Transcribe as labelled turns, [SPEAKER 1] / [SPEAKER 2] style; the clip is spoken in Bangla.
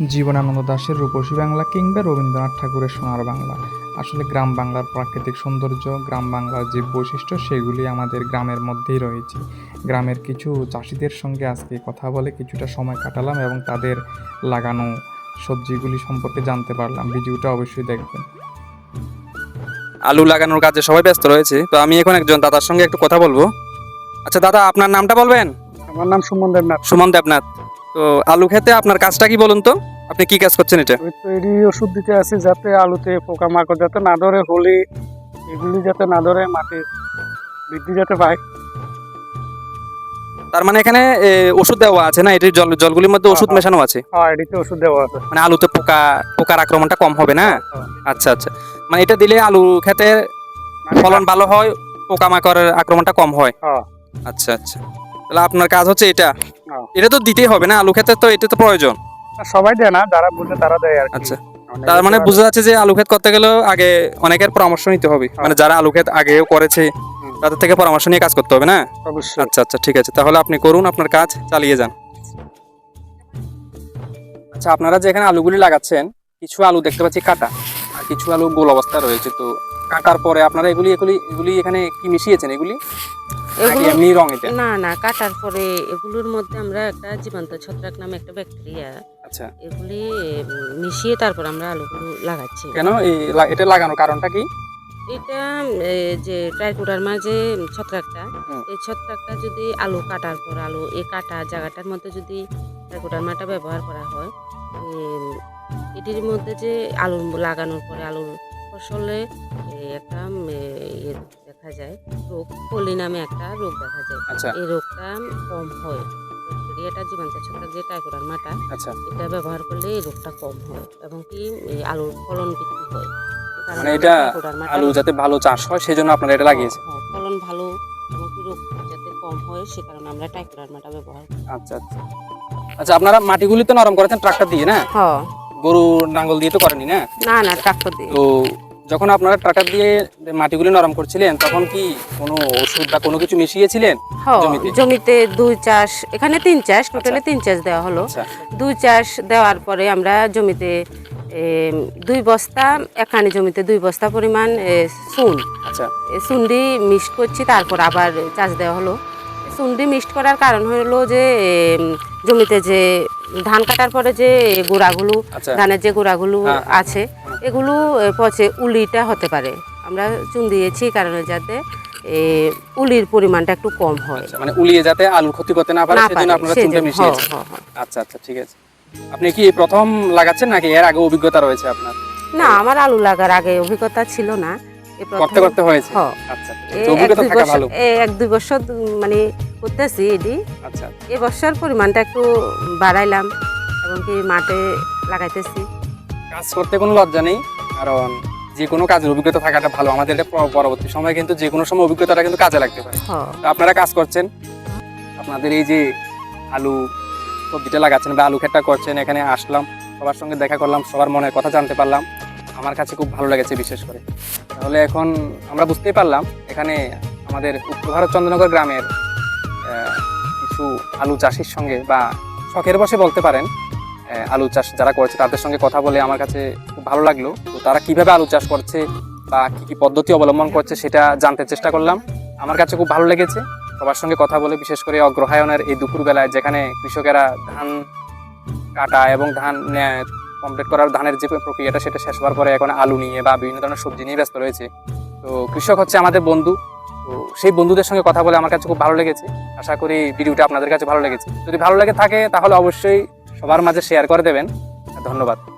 [SPEAKER 1] জীবনানন্দ দাশের রূপসী বাংলা কিংবা রবীন্দ্রনাথ ঠাকুরের সোনার বাংলা। আসলে গ্রাম বাংলার প্রাকৃতিক সৌন্দর্য, গ্রাম বাংলার যে বৈশিষ্ট্য সেগুলি আমাদের গ্রামের মধ্যেই রয়েছে। গ্রামের কিছু চাষিদের সঙ্গে আজকে কথা বলে কিছুটা সময় কাটালাম এবং তাদের লাগানো সবজিগুলি সম্পর্কে জানতে পারলাম। ভিডিওটা অবশ্যই দেখবেন।
[SPEAKER 2] আলু লাগানোর কাজে সবাই ব্যস্ত রয়েছে, তো আমি এখন একজন দাদার সঙ্গে একটু কথা বলবো। আচ্ছা দাদা, আপনার নামটা বলবেন?
[SPEAKER 3] আমার নাম সুমন দেবনাথ।
[SPEAKER 2] সুমন দেবনাথ। তো আলু খেতে আপনার কাজটা কি বলুন তো, আপনি কি কাজ করছেন এটা?
[SPEAKER 3] ওই তৈরি ওষুধ দিতে আছে যাতে আলুতে পোকামাকড় যাতে না ধরে, হলে এগুলি যাতে না ধরে, মাটির বৃদ্ধি যাতে পায়।
[SPEAKER 2] তার মানে এখানে ওষুধ দেওয়া আছে না, এটির জলগুলির মধ্যে ওষুধ মেশানো আছে?
[SPEAKER 3] হ্যাঁ, এটিতে ওষুধ দেওয়া আছে।
[SPEAKER 2] মানে আলুতে পোকার আক্রমণটা কম হবে না? আচ্ছা আচ্ছা, মানে এটা দিলে আলু খেতে ফলন ভালো হয়, পোকামাকড়ের আক্রমণটা কম হয়। আচ্ছা আচ্ছা, তাহলে আপনার কাজ হচ্ছে এটা। এটা তো দিতেই হবে না, আলু খেতে তো এটা তো প্রয়োজন।
[SPEAKER 3] সবাই দেয় না, যারা বুঝে তারা দেয় আর কি।
[SPEAKER 2] আচ্ছা, তার মানে বোঝা যাচ্ছে যে আলু ক্ষেত করতে গেলেও আগে অনেকের পরামর্শ নিতে হবে, মানে যারা আলু ক্ষেত আগেও করেছে তাদের থেকে পরামর্শ নিয়ে কাজ করতে হবে না?
[SPEAKER 3] অবশ্যই।
[SPEAKER 2] আচ্ছা আচ্ছা, ঠিক আছে, তাহলে আপনি করুন, আপনার কাজ চালিয়ে যান। আচ্ছা, আপনারা যে এখানে আলুগুলি লাগাচ্ছেন, কিছু আলু দেখতে পাচ্ছি কাটা, আর কিছু আলু গোল অবস্থায় রয়েছে। তো কাটার পরে আপনারা এগুলি এখানে কি মিশিয়েছেন? এগুলি এমনি রং? এটা
[SPEAKER 4] না, কাটার পরে এগুলোর মধ্যে আমরা একটা জীবান্ত ছত্রাক নামে একটা ব্যাকটেরিয়া,
[SPEAKER 2] আচ্ছা,
[SPEAKER 4] এগুলি মিশিয়ে তারপর আমরা আলুগুলো লাগাচ্ছি।
[SPEAKER 2] কেন এটা লাগানোর কারণটা কি?
[SPEAKER 4] এটা যে ট্রাইকোডার্মা যে ছত্রাকটা, এই ছত্রাকটা যদি আলু কাটার পর এই কাটা জায়গাটার মধ্যে যদি ট্রাইকোডার্মাটা ব্যবহার করা হয়, এটির মধ্যে যে আলু লাগানোর পরে আলুর ফসলে একটা ইয়ে দেখা যায়, রোগ, পলি নামে একটা রোগ দেখা যায়।
[SPEAKER 2] আচ্ছা,
[SPEAKER 4] এই রোগটা কম হয়। ব্যাকটেরিয়াটা জীবাণু ছত্রাক যে ট্রাইকোডার্মাটা,
[SPEAKER 2] আচ্ছা,
[SPEAKER 4] এটা ব্যবহার করলে এই রোগটা কম হয় এবং কি আলুর ফলন বৃদ্ধি হয়।
[SPEAKER 2] মানে এটা আলু যাতে ভালো চাষ হয় সেজন্য আপনারা এটা লাগিয়েছেন।
[SPEAKER 4] ফলন ভালো এবং কি রোগ যাতে কম হয় সে কারণে আমরা ট্রাইকোডার্মাটা ব্যবহার করি।
[SPEAKER 2] আচ্ছা আচ্ছা আচ্ছা, আপনারা মাটিগুলি তো নরম করেছেন ট্রাক্টর দিয়ে, না গরু নাঙ্গল দিয়ে তো করেনি?
[SPEAKER 4] না, ট্রাক্টর দিয়ে।
[SPEAKER 2] তো যখন আপনারা ট্রাক্টর দিয়ে মাটিগুলি নরম করছিলেন তখন কি কোনো ওষুধ বা কোনো কিছু মিশিয়েছিলেন
[SPEAKER 4] জমিতে? 2 চাষ, এখানে 3 চাষ, টোটালে 3 চাষ দেওয়া হলো। 2 চাষ দেওয়ার পরে আমরা জমিতে 2 বস্তা, এখানে জমিতে 2 বস্তা পরিমাণ সুন্ডি মিক্সড করছি, তারপর আবার চাষ দেওয়া হলো। সুন্ডি মিক্সড করার কারণ হলো যে জমিতে যে ধান কাটার পরে যে গোড়াগুলো, ধানের যে গোড়াগুলো আছে, এগুলো পচে উলিটা হতে পারে। আমরা চুন দিয়েছি কারণে যাতে উলির পরিমাণটা একটু কম হয়,
[SPEAKER 2] মানে উলিয়ে যাতে আলুর ক্ষতি করতে না পারে সেজন্য আপনারা চুনটা মিশিয়েছেন। আচ্ছা আচ্ছা, ঠিক আছে। আপনি কি প্রথম লাগাচ্ছেন নাকি এর আগে অভিজ্ঞতা রয়েছে আপনার?
[SPEAKER 4] না, আমার আলু লাগার আগে অভিজ্ঞতা ছিল না,
[SPEAKER 2] করতে হয়েছে। আচ্ছা, অভিজ্ঞতা থাকা ভালো।
[SPEAKER 4] 1-2 বছর মানে করতেছি এটি।
[SPEAKER 2] আচ্ছা,
[SPEAKER 4] এই বছর পরিমাণটা একটু বাড়াইলাম এবং কি মাঠে লাগাইতেছি।
[SPEAKER 2] কাজ করতে কোনো লজ্জা নেই, কারণ যে কোনো কাজের অভিজ্ঞতা থাকাটা ভালো। আমাদের পরবর্তী সময় কিন্তু যে কোনো সময় অভিজ্ঞতাটা কিন্তু কাজে লাগতে পারে। আপনারা কাজ করছেন, আপনাদের এই যে আলু সবজিটা লাগাচ্ছেন বা আলু ক্ষেতটা করছেন, এখানে আসলাম, সবার সঙ্গে দেখা করলাম, সবার মনের কথা জানতে পারলাম, আমার কাছে খুব ভালো লেগেছে বিশেষ করে। তাহলে এখন আমরা বুঝতেই পারলাম এখানে আমাদের উত্তর ভারত চন্দ্রনগর গ্রামের কিছু আলু চাষির সঙ্গে বা শখের বসে বলতে পারেন আলু চাষ যারা করছে তাদের সঙ্গে কথা বলে আমার কাছে খুব ভালো লাগলো। তো তারা কিভাবে আলু চাষ করছে বা কী কী পদ্ধতি অবলম্বন করছে সেটা জানতে চেষ্টা করলাম, আমার কাছে খুব ভালো লেগেছে সবার সঙ্গে কথা বলে। বিশেষ করে অগ্রহায়ণের এই দুপুরবেলায় যেখানে কৃষকেরা ধান কাটা এবং ধান কমপ্লিট করার ধানের যে প্রক্রিয়াটা সেটা শেষ হওয়ার পরে এখন আলু নিয়ে বা বিভিন্ন ধরনের সবজি নিয়ে ব্যস্ত রয়েছে। তো কৃষক হচ্ছে আমাদের বন্ধু, তো সেই বন্ধুদের সঙ্গে কথা বলে আমার কাছে খুব ভালো লেগেছে। আশা করি ভিডিওটা আপনাদের কাছে ভালো লেগেছে। যদি ভালো লেগে থাকে তাহলে অবশ্যই সবার মাঝে শেয়ার করে দেবেন। ধন্যবাদ।